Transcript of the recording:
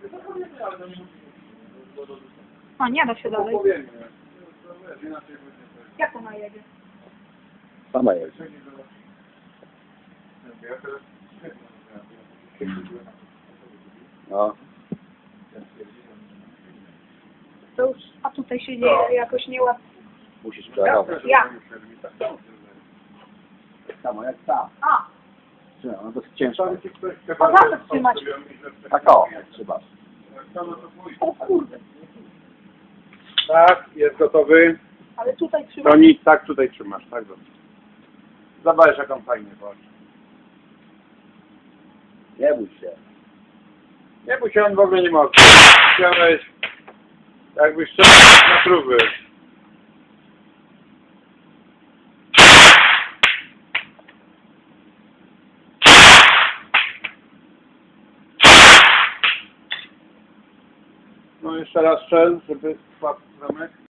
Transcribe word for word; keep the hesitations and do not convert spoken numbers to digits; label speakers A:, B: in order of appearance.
A: O, nie da się dalej. Jak ona jedzie?
B: Sama jest. No.
A: To już, a tutaj się dzieje jakoś nieładnie.
B: Musisz przerobić.
A: Ja.
B: Tak samo jak ta.
A: A,
B: No, no dosyć ciężko.
A: a zawsze trzymać.
B: Tak o, trzeba.
A: O kurde.
C: Tak, jest gotowy.
A: Ale tutaj trzymać.
C: To nic, tak tutaj trzymasz, tak dobrze. Zobacz jaką fajnie chodzi.
B: Nie bój się.
C: Nie, bo się on w ogóle nie może. Chciałeś, jakbyś chciał na próby. No jeszcze raz strzel, żeby spadł zamek.